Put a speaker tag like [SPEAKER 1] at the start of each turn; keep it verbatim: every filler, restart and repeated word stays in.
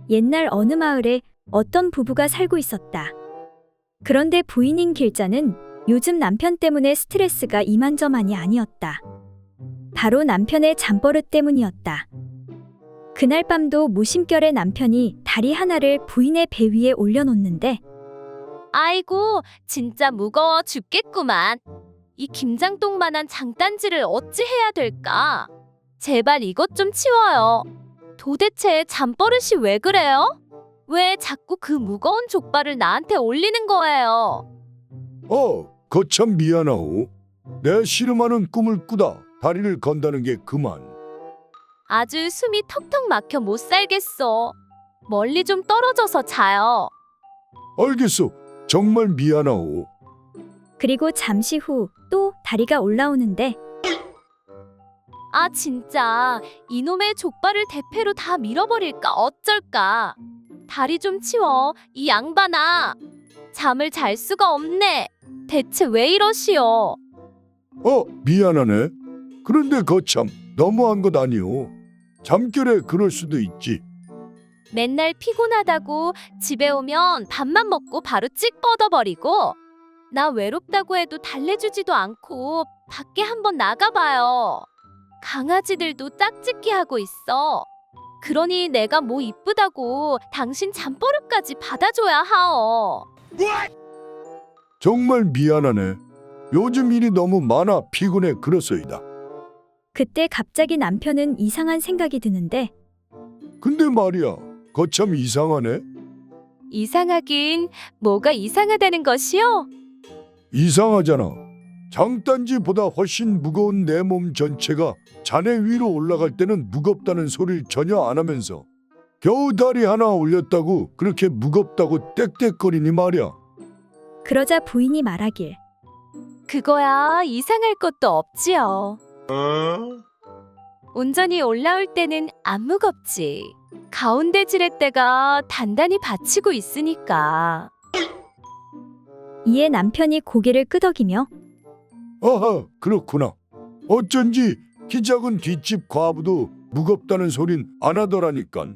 [SPEAKER 1] 옛날 어느 마을에 어떤 부부가 살고 있었다. 그런데 부인인 길자는 요즘 남편 때문에 스트레스가 이만저만이 아니었다. 바로 남편의 잠버릇 때문이었다. 그날 밤도 무심결에 남편이 다리 하나를 부인의 배 위에 올려놓는데
[SPEAKER 2] 아이고, 진짜 무거워 죽겠구만. 이 김장똥만한 장단지를 어찌 해야 될까? 제발 이것 좀 치워요. 도대체 잠버릇이 왜 그래요? 왜 자꾸 그 무거운 족발을 나한테 올리는 거예요?
[SPEAKER 3] 어, 거참 미안하오. 내 씨름하는 꿈을 꾸다 다리를 건다는 게 그만.
[SPEAKER 2] 아주 숨이 턱턱 막혀 못 살겠어. 멀리 좀 떨어져서 자요.
[SPEAKER 3] 알겠소. 정말 미안하오.
[SPEAKER 1] 그리고 잠시 후 또 다리가 올라오는데
[SPEAKER 2] 아 진짜 이놈의 족발을 대패로 다 밀어버릴까 어쩔까. 다리 좀 치워 이 양반아. 잠을 잘 수가 없네. 대체 왜 이러시오?
[SPEAKER 3] 어, 미안하네. 그런데 거참 너무한 것 아니오. 잠결에 그럴 수도 있지.
[SPEAKER 2] 맨날 피곤하다고 집에 오면 밥만 먹고 바로 찍 뻗어버리고 나 외롭다고 해도 달래주지도 않고 밖에 한번 나가봐요. 강아지들도 짝짓기 하고 있어. 그러니 내가 뭐 이쁘다고 당신 잠버릇까지 받아줘야 하오.
[SPEAKER 3] 정말 미안하네. 요즘 일이 너무 많아 피곤해 그렇소이다.
[SPEAKER 1] 그때 갑자기 남편은 이상한 생각이 드는데
[SPEAKER 3] 근데 말이야, 거참 이상하네.
[SPEAKER 2] 이상하긴 뭐가 이상하다는 것이요?
[SPEAKER 3] 이상하잖아. 장단지보다 훨씬 무거운 내 몸 전체가 자네 위로 올라갈 때는 무겁다는 소리를 전혀 안 하면서 겨우 다리 하나 올렸다고 그렇게 무겁다고 떽떽거리니 말이야.
[SPEAKER 1] 그러자 부인이 말하길
[SPEAKER 2] 그거야 이상할 것도 없지요. 온전히 올라올 때는 안 무겁지. 가운데 지렛대가 단단히 받치고 있으니까.
[SPEAKER 1] 이에 남편이 고개를 끄덕이며
[SPEAKER 3] 아하, 그렇구나. 어쩐지 키 작은 뒷집 과부도 무겁다는 소린 안 하더라니깐.